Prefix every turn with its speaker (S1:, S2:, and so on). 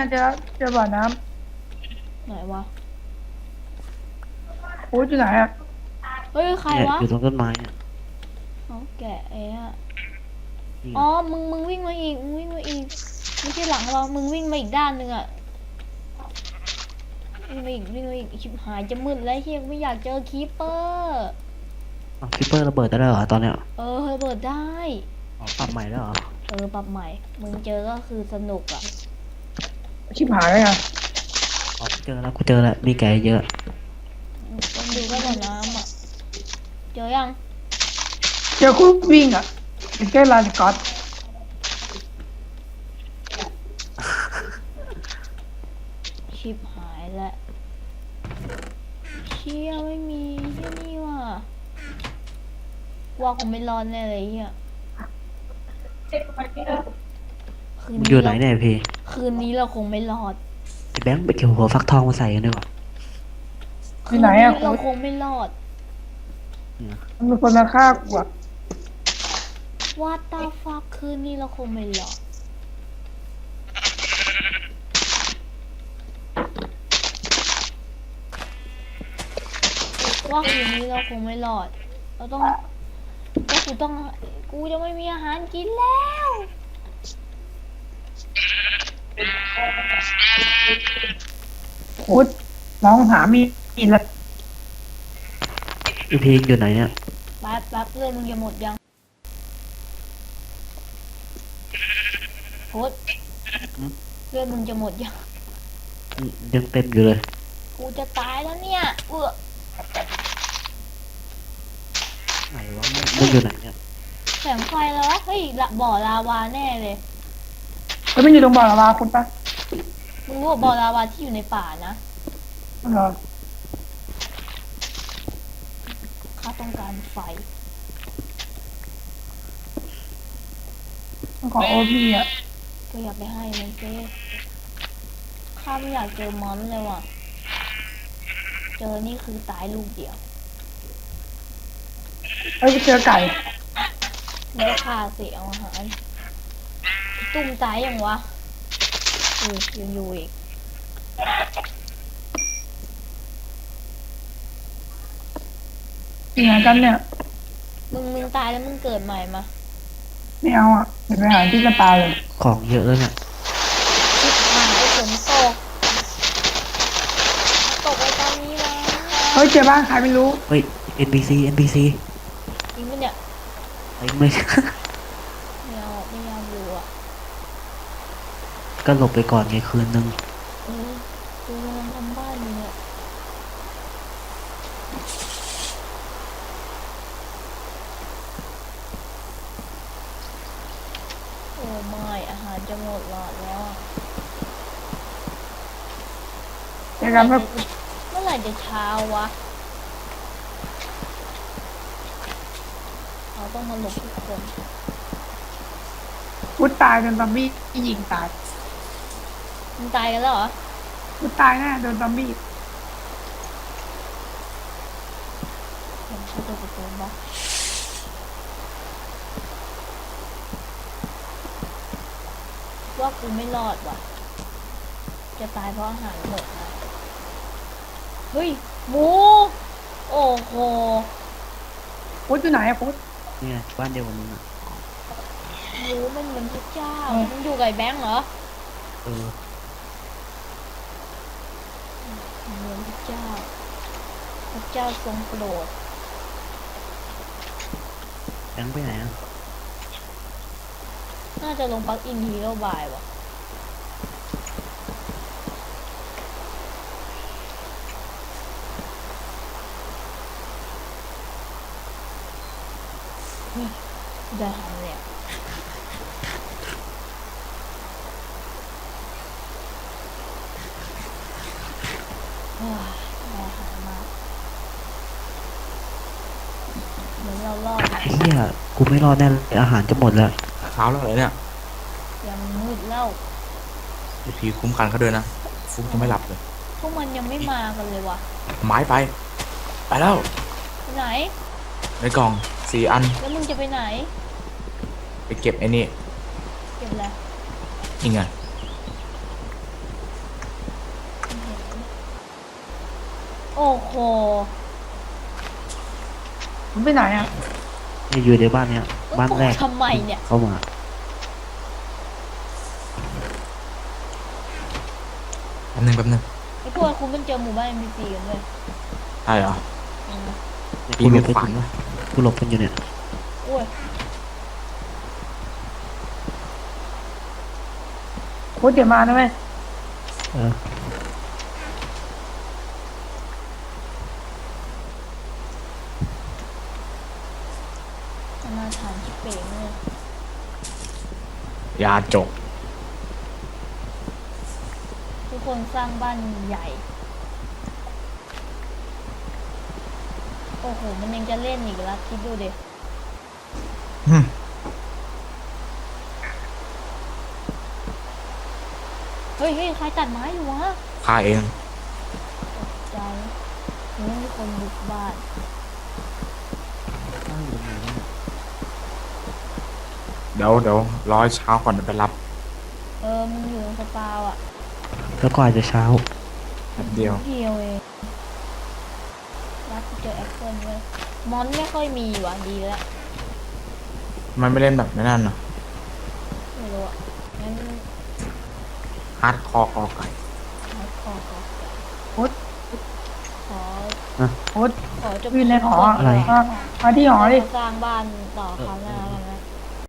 S1: ไงเจอบ่อน้
S2: ไหนวะ
S1: ำโอ้ยอยู่ไหนอ่ะ
S2: เฮ้ยใคร
S3: เนี่ย
S2: วะ
S3: อยู่ตรงต้นไม้เนี่ย
S2: เขาแกะไอ้อะ
S3: นี่
S2: อ๋อมึงวิ่งมาอีกไม่ใช่หลังเรามึงวิ่งมาอีกด้านหนึ่งอะวิ่งมาอีกชิบหายจะมืดแล้วเฮียไม่อยากเจอคีปเปอร์
S3: คิปเปอร์ระเบิดได้แล้วเหรอตอนเนี้ย
S2: ระเบิดได้
S3: อ๋อปรับใหม่แล้วเหรอ
S2: ปรับใหม่มึงเจอก็คือสนุกอะ
S1: ชิบหายเลยอ่ะ
S3: อ๋อกูเจอแล้วมีแกเยอะ
S2: ต้องดูก็บ่อน้ำอะเจอยัง
S1: เจอคู่วิ่งอ่ะเป็นแค่ลานสก๊อต
S2: ชิบหายแล้วเชี่ยไม่มีที่นี่ว่ะว่าคงไม่รอดแน่เลยเฮียคืน
S3: มึงอยู่ไหน
S2: นี้เรา
S3: เนี่ยพี่
S2: คืนนี้เราคงไม่รอด
S3: ไอ้แบงค์ไปเกี่ยวหัวฟักทองมาใส่กันดีกว่า
S1: อยู่ไหนอ่ะ
S2: เราคงไม่รอด
S3: เนี่ย
S1: มันมีคนมาฆ่ากูอ่ะ
S2: ว่าตาฟักคืนนี้เราคงไม่รอดว่าคืนนี้เราคงไม่รอดเราต้องกูจะไม่มีอาหารกินแล้ว
S1: โอ้ยน้องหามีดละ
S3: ไอพีอยู่ไหนเนี่ย
S2: แป๊บเลือดมึงจะหมดยังโคตรเลือดมึงจะหมดยัง
S3: ยังเต็มอยู่เลย
S2: กูจะตายแล้วเนี่ย
S3: ไหนวะมึงอยู่ไหนเนี่ย
S2: แสงไฟแล้ววะเฮ้ยบ่อลาวาแน่เลย
S1: แล้วมันอยู่ตรงบ่อละวาคุณปะ
S2: มึงรู้ว่าบ่อลาวาที่อยู่ในป่านะ
S1: เหรอ
S2: ข้าต้องการไฟ
S1: ต้องขอโอพีอ่ะ
S2: ก็อย่าไปให้มันเจ้ข้าไม่อยากเจอมอนเลยว่ะเจอนี่คือตายลูกเดียว
S1: เอ้ยเจอไก่
S2: ไม่ได้ฆ่าสิเอาอาหารตุ้มตายยังวะยังอยู่อีก
S1: ยังไงกันเนี่ย
S2: มึงตายแล้วมึงเกิดใหม่มา
S1: ไม่เอาอ่ะเดี๋ยวไปหาที่กระตายเลย
S3: ของเยอะแล้วเนี่ย
S2: ชิบหายฝนตกไปตอนนี้แล้ว
S1: เฮ้ยเจอบ้านใครไม่รู้
S3: เฮ้ย NPC
S2: จริงปะเนี่ย
S3: ไอ้ไม่
S2: ไม่ยอมอยู่อ่ะ
S3: ก็หลบไปก่อนไงคืนนึง
S2: กูกำลังทำบ้านอยู่เนี่ยโอ้ไม่อาหารจะหมดหลอดแล้วอะ
S1: เจอกันแบบ
S2: เมื่อไหร่จะเช้าวะเราต้องมาหลบทุกคน
S1: พุทธตายโดนซอมบี้ยิงตาย
S2: มึงตายกันแล้วเหรอ
S1: พุทธตายแน่โดนซอมบี้
S2: ผมเข้าตัวประตูบ้าว่ากูไม่รอดว่ะจะตายเพราะอาหารหมดนะเฮ้ยหมูโอ้โห
S1: พุทธอยู่ไหนอะพุทธ
S3: เนี่ยบ้านเดียวกับมึงอ่ะ
S2: หมูมันเหมือนพระเจ้ามึงอยู่กับไอ้แบงค์เหรอ
S3: เออ
S2: เหมือนพระเจ้าทรงโปรด
S3: แบงค์ไปไหนอ่ะ
S2: น่าจะลงปลั๊กอินฮีโร่บายว่ะได้หันเนี่ยได้หันมาเหมือนเรารอดนะ
S3: เฮียกูไม่รอดแน่เลยอาหารจะหมดแล้ว
S4: เช้าแล้วเหรอเนี่ย
S2: ยังมืดแล้ว
S4: ไอพีคุ้มกันเขาด้วยนะฟุกจะไม่หลับเลย
S2: พวกมันยังไม่มากันเลยว่ะ
S4: ไม้ไปแล้ว
S2: ไปไหน
S4: ในกล่อง4 อัน
S2: แล้วมึงจะไปไหน
S4: ไปเก็บไอ้นี่
S2: เก็บอะไร
S4: นี่ไง
S2: โอ้โห
S1: มันไปไหนอ่ะ
S3: อยู่ในบ้านเนี้ยบ้านแรก
S2: ทำไมเนี่ย
S3: เข้ามา
S4: แป๊บนึงแป๊บนึง
S2: ไอ้พวกคุณมันเจอหมู่บ้าน NPC กันเลย
S4: ใช่เหรอ
S2: อืม
S4: ปีมีขวานวะ
S3: กูหลบกันอยู่เนี่ย
S2: โอ้ย
S1: พุทธเดี๋ยวมานะเว้ย
S3: เออ
S2: อนาถานชิบเป๋งเลย
S4: ยาจก
S2: ทุกคนสร้างบ้านใหญ่ โอ้โห มันยังจะเล่นอีกแล้วคิดดูดิ
S4: หึ
S2: เฮ้ยเฮ้ยใครตัดไม้อยู่วะ
S4: ฆ่าเอง
S2: ตกใจนี่มีคนบุกบ้าน
S4: เดี๋ยวรอให้เช้าก่อนเดี๋ยวไปรับ
S2: มันอยู่ตรงสปาวอ่ะ
S3: แล้วก็อาจจะเช้า
S4: แป๊บเดียว
S2: เดียวเองรับเจอแอปเปิลเลยมอนไม่ค่อยมีว่ะดีแล้ว
S4: มันไม่เล่นแบบไม่นั่นเหรอ
S2: ไม่รู้อ่ะงั้น
S4: ฮาร์ดคอร์กอไก่
S2: ขอ
S1: พุทธ
S2: ขอ
S1: พุทธ
S2: ขอจบ
S1: อยู่ในหอ
S3: อะไร
S1: มาที่หอดิ
S2: สร้างบ้านต่อคราวหน้าแล้วนะ